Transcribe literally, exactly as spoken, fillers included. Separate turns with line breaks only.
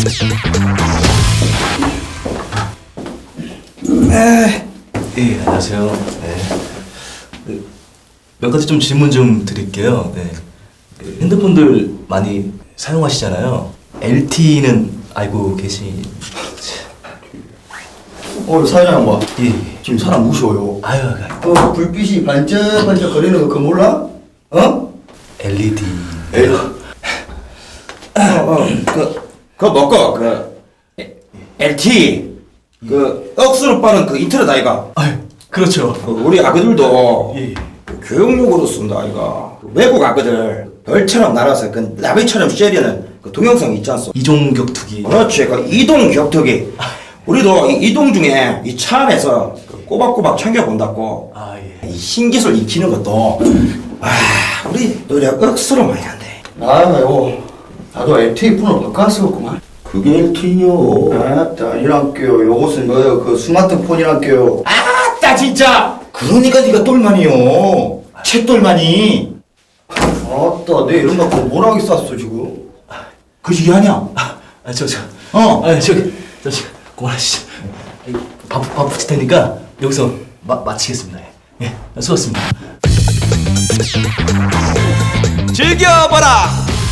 네. 예, 안녕하세요. 네. 그, 몇 가지 좀 질문 좀 드릴게요. 네. 그 핸드폰들 많이 사용하시잖아요. 엘티이는 알고 계시...
어, 사장 봐.
예.
지금 사람 무서워요.
아유, 아유.
어, 불빛이 반짝반짝 거리는 거 그거 몰라? 어?
엘이디.
에이. 어, 어, 그, 그거 먹고, 그, 엘티, 그, 억수로 빠른 그 인터넷 아이가.
아유, 그렇죠.
그 우리 아그들도
예.
그 교육용으로 쓴다 아이가. 그 외국 아그들 별처럼 날아서 그 나비처럼 쉐리는 그 동영상 있지 않소?
이종 격투기.
그렇지, 그 이동 격투기. 우리도 이 이동 중에 이 차 안에서 그 꼬박꼬박 챙겨본다고.
아, 예.
이 신기술 익히는 것도 아 우리 노력 억수로 많이 한대. 아유 나도 엘티이 폰을 바꿨었구만.
그게 엘티이요.
아따 이란께요. 요것은 뭐예요? 그 스마트폰이란께요. 아따 진짜. 그러니까 네가 똘만이요. 채똘만이. 아따 내 이런 거 뭐라 하겠어 지금. 그 시기 아니야?
아, 저, 저.
어.
아, 저기, 저, 저, 그만하시죠. 밥, 밥 붙일 테니까 여기서 마, 마치겠습니다. 예, 수고하셨습니다.
즐겨봐라